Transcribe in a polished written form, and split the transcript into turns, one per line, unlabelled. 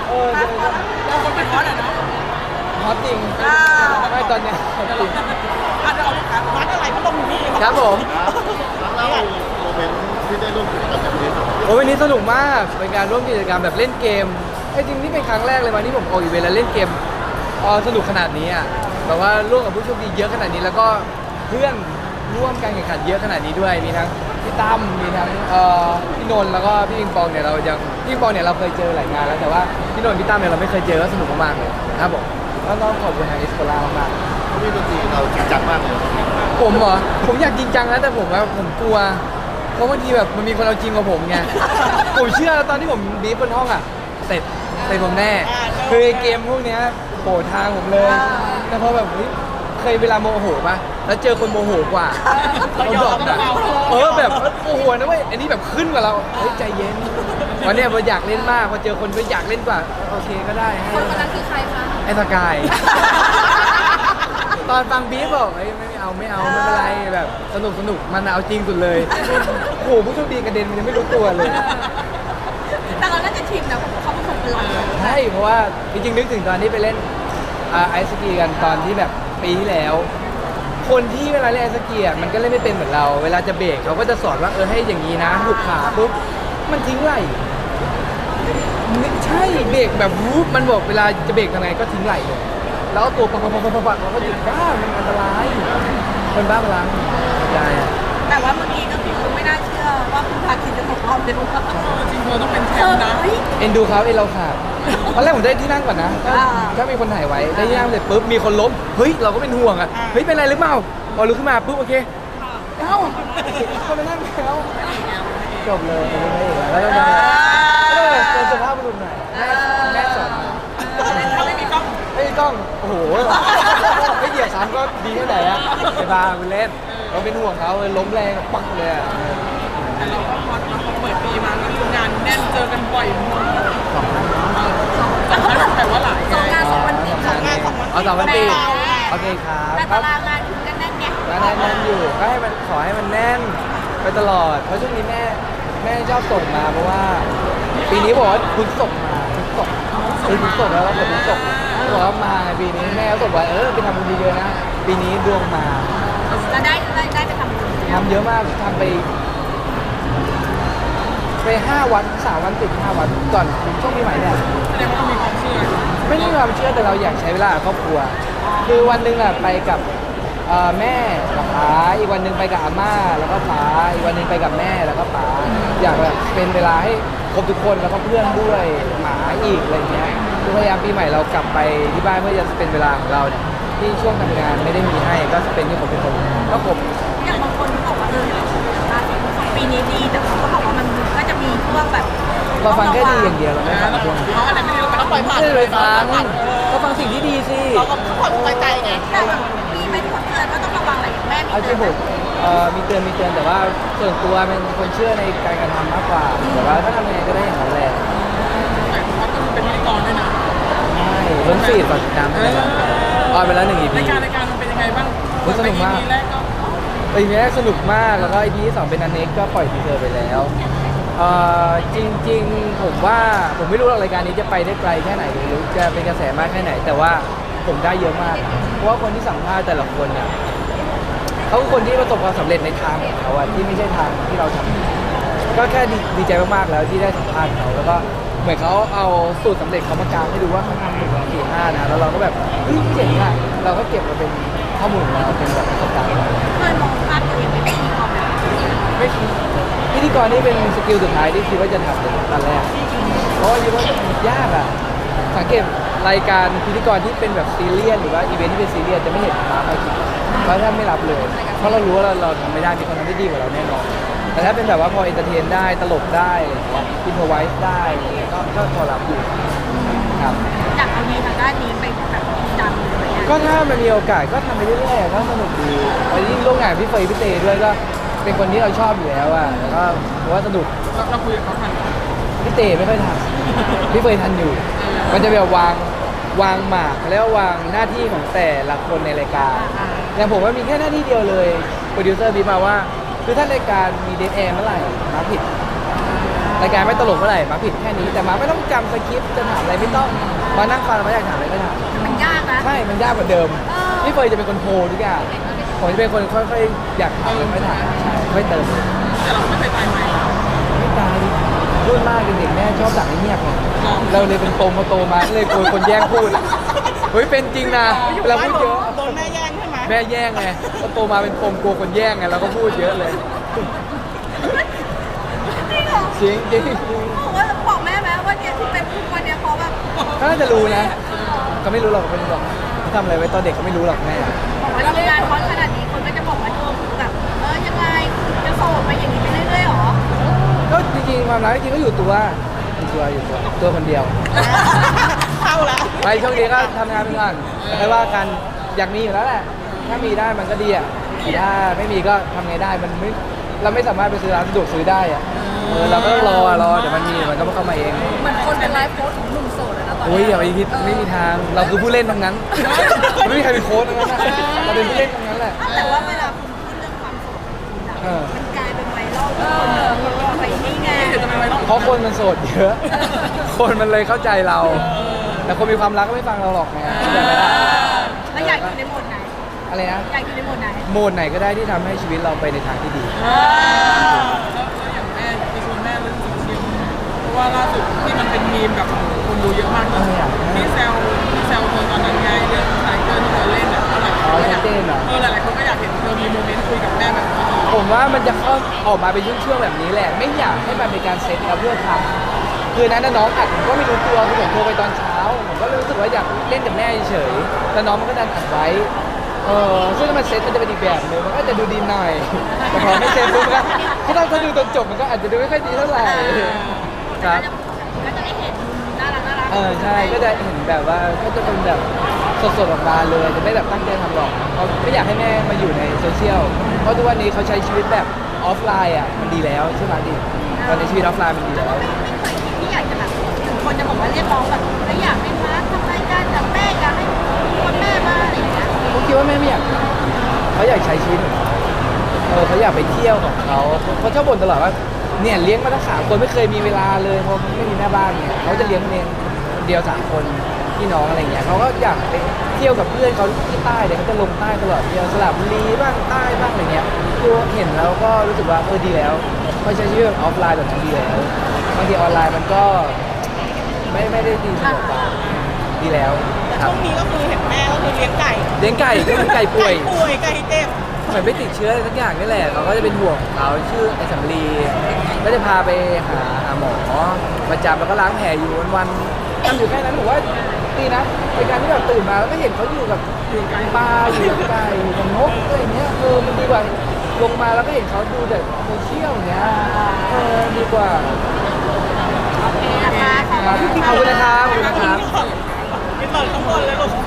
เราคนเป็นฮอตอ่ะเนาะ
ฮอตจริงไม่ตอนเนี้ยฮอตจริง
อาจจะเอาวัดอะไรก็ต้องมี
ครับผม
แล้วโมเมนต์ที่ได้ร่วมกิจกรรมแบบนี้ครับ
โอ้วันนี้สนุกมากเป็นการร่วมกิจกรรมแบบเล่นเกมจริงนี่เป็นครั้งแรกเลยวันที่ผมออกอีเวนต์แล้วเล่นเกมสนุกขนาดนี้อ่ะแบบว่าร่วมกับผู้โชคดีเยอะขนาดนี้แล้วก็เพื่อนร่วมการแข่งขันเยอะขนาดนี้ด้วยมีทั้งพี่ตั้มมีทั้งพี่นนท์แล้วก็พี่ปิงปองเนี่ยเรายังพี่ปิงปองเนี่ยเราเคยเจอหลายงานแล้วแต่ว่าพี่นนท์พี่ตั้มเนี่ยเราไม่เคยเจอก็สนุกมากๆเลยครับผมก็ต้องขอบคุณทางเอสโคล่ามาก
ๆพี่ดนตรีเราจริงจังมากเลย
ผมเหรอผมอยากจริงจังนะแต่ผมกลัวเพราะบางทีแบบมันมีคนเอาจริงกว่าผมไงผมเชื่อตอนที่ผมบีบบนห้องอ่ะเสร็จผมแน่คือเกมพวกนี้โผล่ทางผมเลยแต่พอแบบเคยเวลาโมโหป่ะแล้วเจอคนโมโหกว่าเขาดรอปนะแบบโอ้โหนะเว้ยอันนี้แบบขึ้นกว่าเราเฮ้ยใจเย็นวันนี้เราอยากเล่นมากพอเจอคนก็อยากเล่นกว่าโอเคก็ได้
คนนั้นคือใครคะ
ไอ้สกายตอนฟังบีบบอกไม่เอาไม่เป็นไรแบบสนุกมันเอาจริงสุดเลยโอ้โหผู้โชคดีกระเด็นมันยังไม่รู้ตัวเลย
แต่เราน่าจะชิมนะเขาเป็นคนเป็นหลัก
ใช่เพราะว่าจริงๆนึกถึงตอนที่ไปเล่นไอซ์สกีกันตอนที่แบบปีที่แล้วคนที่เวลาเล่นไอซ์สกีมันก็เล่นไม่เป็นเหมือนเราเวลาจะเบรกเขาก็จะสอนว่าให้อย่างนี้นะหุบขาปุ๊บมันทิ้งไหล่ไม่ใช่เบรกแบบวูบมันบอกเวลาจะเบรกยังไงก็ทิ้งไหล่เลยแล้วตัวปังเราก็หยุดก้ามันอันตรายคนบ้าพลังใช่
แต่ว่าเมื่อกี้ก็คือไม่น่าเชื่อว่าคุณพาคินจะตกรอบเลยว่า
จริงๆต้องเป็นแชมป์นะ
เอ็นดูเขาเราขาดตอนแรกผมได้ที่นั่งก่อนนะถ้ามีคนถ่ายไว้ได้ที่นั่งเสร็จปุ๊บมีคนล้มเฮ้ยเราก็เป็นห่วงอ่ะเฮ้ยเป็นไรหรือเปล่าพอลุกขึ้นมาปุ๊บโอเคเอ้าคนไปนั่งแล้วจบเลยไม่ได้แล้วก็เป็นสภาพบุรุษหน่อยแม่สอน
ไม่มีกล้อง
โอ้โหไม่เหยียบซ้ำก็ดีแค่ไหนอะไปพาไปเล่นเราเป็นห่วงเขาล้มแรงปักเลยอะ
แต่เราก็พอเปิดปีมาก็คืองานแน่นเจอกันบ่อยมากแต่ว่าหลาย
งาน2 วันติด
เอา2 วันติดโอเคครับ
แต่ตารางงานคุณก็แน่นไง
แน่นอยู่ก็ขอให้มันแน่นไปตลอดเพราะช่วงนี้แม่ชอบส่งมาเพราะว่าปีนี้บอกว่าคุณส่งมาคุณส่งแล้วเราเปิดคุณส่งบอกว่ามาปีนี้แม่เขาบอกว่าไปทำบุญเยอะๆนะปีนี้ดวงมา
แล้วได้ไปท
ำเยอะมากทำไป5 วัน3 วันติด5 วันก่อนช่วงปีใหม่เนี่ย
แสดงว่ามีความเชื่อ
ไม่ได้มีความเชื่อแต่เราอยากใช้เวลาครอบครัวคือวันหนึ่งไปกับแม่กับป๋าอีกวันหนึ่งไปกับอาม่าแล้วก็ป๋าอีกวันหนึ่งไปกับแม่แล้วก็ป๋าอยากแบบเป็นเวลาให้ครบทุกคนแล้วก็เพื่อนด้วยหมาอีกอะไรเงี้ยคือพยายามปีใหม่เรากลับไปที่บ้านเพื่อจะเป็นเวลาของเราเนี่ยที่ช่วงทำงานไม่ได้มีให้ก็เป็นที่ผมเป็นคนก็ผม
อย่างบางคนบอกว่าปีนี้ดีแต่เขาก็บอกว่ามันก็จะมีพวกแบบ
เราฟังแค่ดีอย่างเดียวเราไม่ฟังพวกนี้
เขาอะไรไม่ดีเราต้องปล่อยผ่าน
เลยฟังสิ่งที่ดีสิ
เราก็ผ่อนใจไง
แต่แบบมีไหมที่คนเตือนว่าต้องระวังอะไรอย่างแม่
มีเตือนมีเตือนแต่ว่าส่วนตัวเป็นคนเชื่อในการกระทำมากกว่าแต่ว่าถ้าทำยังไงก็ได้อย่างนั้นแหละ
แต่เขาต้องเป็นพิธีกรด้วยนะ
ใช่ล้นฟีดก่อนติดตามได้ไปแล้ว1 EP
รายการมันเป็นยังไงบ้าง
สนุกมากEP แรกสนุกมากแล้วก็ EP ที่ 2เป็นอันเน็กก็ปล่อยทีเซอร์ไปแล้วจริงๆผมว่าผมไม่รู้ว่ารายการนี้จะไปได้ไกลแค่ไหนหรือจะเป็นกระแสมากแค่ไหนแต่ว่าผมได้เยอะมากเพราะว่าคนที่สัมภาษณ์แต่ละคนเนี่ยเขาคือคนที่ประสบความสำเร็จในทางของเขาที่ไม่ใช่ทางที่เราทำก็แค่ดีใจมากๆแล้วที่ได้สัมภาษณ์เขาแล้วก็เหมือนเขาเอาสูตรสำเร็จเขามากางให้ดูว่าเขาทำ1 2 3 4 5นะแล้วเราก็แบบเจ๋งอ่ะเราก็เก็บมาเป็นข้อมูลของเราเป็นแบบประสบการณ์
เคยมองภาพตัวเองเป็นพิธีกร
ไม่คิดพิธีกรนี่เป็นสกิลสุดท้ายที่คิดว่าจะทำเป็นตอนแรกเพราะว่าคิดว่ายากอ่ะสังเกตรายการพิธีกรที่เป็นแบบซีเรียสหรือว่าอีเวนท์ที่เป็นซีเรียสจะไม่เห็นมาใครคิดเพราะถ้าไม่รับเลยเพราะเรารู้ว่าเราทำไม่ได้มีคนทำได้ดีกว่าเราแน่นอนแต่ถ้าเป็นแบบว่าพอเอนเตอร์เทนได้ตลกได้อินโฟไวส์ได้ก็พอรับอยู่ครับ
อยากเอาดีทางด้านนี้ไปแบบดังเลย
ก็ถ้ามันมีโอกาสก็ทำไปเรื่อยๆก็สนุกดีแล้วยิ่งร่วมงานพี่เฟย์พี่เตด้วยก็เป็นคนที่เราชอบอยู่แล้วแล้วก็ว่าสนุก
เราคุยกับเขาทัน
พี่เตไม่ค่อยทันพี่เฟย์ทันอยู่มันจะแบบวางหมากแล้ววางหน้าที่ของแต่ละคนในรายการอย่างผมว่ามีแค่หน้าที่เดียวเลยโปรดิวเซอร์บีมาว่าคือถ้ารายการมีเดทแอร์เมื่อไหร่มาผิดรายการไม่ตลกเมื่อไหร่มาผิดแค่นี้แต่มาไม่ต้องจำสคริปต์จะถามอะไรไม่ต้องมานั่งฟังมาอยากถามอะไรก็ถาม
มันยากนะ
ใช่มันยากกว่าเดิมพี่เฟยจะเป็นคนโพลทุกอย่างผมจะเป็นคนค่อยๆอยากถามอะไรไม่ถามใช่ไม่เติม
แต่เราไม่เคยตายไหม
ไม่ตายพูดมากเด็กๆแม่ชอบสั่งให้เงียบไงเราเลยเป็นปมพอโตมาก็เลยกลัวคนแย่งพูดเฮ้ยเป็นจริงนะเวลาพูดเยอะ
โดนแม่แย่งใช่ไหม
แม่แย่งไงพอโตมาเป็นปมกลัวคนแย่งไงเราก็พูดเยอะเลย
จริงเหรอ
จริงจริง
บอกว่าบอกแม่ไหมว่าเนี่ยที่เป็นทุกวันเนี่ยเพราะแบบ
เขาน่าจะรู้นะก็ไม่รู้หรอกไม่รู้หรอกเขาทำอะไรไว้ตอนเด็กก็ไม่รู้หรอกแม่
บอกว่าเรางานคอนขนาดนี้คนก็จะบอกว่าแบบยังไงจะโสดไปอย่างนี้ไปเรื่อยๆหรอ
ก็จริงๆความรักจริงๆก็อยู่ตัวคนเดียว
เข้าละ
ไปช่วงนี้ก็ทำงานไปก่อนไม่ว่ากันอยากมีอยู่แล้วแหละถ้ามีได้มันก็ดีอ่ะถ้าไม่มีก็ทำไงได้มันไม่เราไม่สามารถไปซื้อร้านสะดวกซื้อได้อ่ะเราก็ต้องรอเดี๋ยวมันมีมันก็เข้ามาเอง
เหมือนคนเป็นไลฟ์โค้ชของหนุ่มโสดนะตอน
โอ้ย
นี้
อย่าไปคิดไม่มีทางเราคือผู้เล่นทั้งนั้นไม่มีใครเป็นโค้ชทั้งนั้นนะเราเป็นผู้เล่นทั้งนั้นแหละ
แต่ว่าเวลาคุณพูดเรื่องความโสด
เออ
มันกลายเป็นไวรัลคนไปนี่ไง
เพราะคนมันโสดเยอะ คนมันเลยเข้าใจเรา แต่คนมีความรักก็ไม่ฟังเราหรอกนะเข้าใจไหมล่ะ
แล้วอยากอยู่ในโหมดไหน
อะไรนะ
อยากอยู่ในโหมดไหน
โหมดไหนก็ได้ที่ทำให้ชีวิตเราไปในทางที่ดี
แล้วอย่างแม่ไปชวนแม่เรื่องจริงๆเพราะว่าล่าสุดที่มันเป็นมีมกับคนดูเยอะมากที่แซวเธอตอนนั้นไงเรื่องสายเกินที่เธอเล่นอ่ะหลายคนก็อยากหลายคนก็อยากเห็นเธอมีโมเมนต์คุยกับแม่แบบนี้
ผมว่ามันจะเข้าออกมาเป็นช่วงๆแบบนี้แหละ ไม่อยากให้มันเป็นการเซตแล้วเพื่อทำคือนั้นน้องอัดผมก็ไม่รู้ตัวคือผมโทรไปตอนเช้าผมก็รู้สึกว่าอยากเล่นกับแม่เฉยๆแต่น้องมันก็ดันอัดไว้ซึ่งถ้ามันเซตมันจะเป็นอีกแบบนึงมันก็จะดูดีหน่อยแต่พอไม่เซตปุ๊บก็ถ้าดูตอนจบมันก็อาจจะดูไม่ค่อยดีเท่าไหร่ครับ
ก็จะได้เห็นน่ารัก
ใช่ก็จะเห็นแบบว่าก็จะเป็นแบบสดๆออกมาเลยจะไม่แบบตั้งใจทำหรอกเขาไม่อยากให้แม่มาอยู่ในโซเชียลเพราะทุกวันนี้เขาใช้ชีวิตแบบออฟไลน์อ่ะมันดีแล้วใช่ไหมดิตอนในชีวิตออฟไลน์มันดีแล้ว
ไม่เคยคิดที่อยากจะแบบถึงคนจะบอกว่าเรียกร้องแบบไม่อยากให้มาทำรายการกับแม่อยากให้คนแม่มาอะไรอย่างเงี้ย
ผมคิดว่าแม่ไม่อยากทำเขาอยากใช้ชีวิตของเขาเขาอยากไปเที่ยวของเขาชอบบ่นตลอดว่าเนี่ยเลี้ยงมาตั้ง3 คนไม่เคยมีเวลาเลยเพราะไม่มีแม่บ้านเนี่ยเขาจะเลี้ยงเองคนเดียว3 คนพี่น้องอะไรเงี้ยเขาก็อยากไปเที่ยวกับเพื่อนเขาที่ใต้เนี่ยเขาจะลงใต้ตลอดเที่ยวสระบุรีบ้างใต้บ้างอะไรเงี้ยคือเห็นแล้วก็รู้สึกว่าดีแล้วเขาใช้ชีวิตออฟไลน์แบบนั้นดีแล้วบางทีออนไลน์มันก็ไม่ได้ดีเสมอไปดีแล้ว
แต่
ครั
ช่
บ
วงนี้ก็คือเห็นแม่ก็คือเลี้ยงไก่
เลี้ยงไก่ก็คือไก่ป่วย
ไก่เจ็บ
เหมือนไปติดเชื้ออะไรสักอย่างนี่แหละเขาก็จะเป็นห่วงของเขาชื่อไอ้สำลีก็จะพาไปหาหมอประจำแล้วก็ล้างแผลอยู่วันๆทำอยู่แค่นั้นผมว่าดีนะในการที่แบบตื่นมาแล้วก็เห็นเขาอยู่กับปลาอยู่กับไก่อยู่กับนกอะไรอย่างเงี้ยมันดีกว่าลงมาแล้วก็เห็นเขาดูแต่โซเชียลอย่างเงี้ยดีกว่า
โอเคนะคะ
ครับขอบคุณนะครับขอบคุณนะครับ
ไปเปิดข้างบนเลยลูก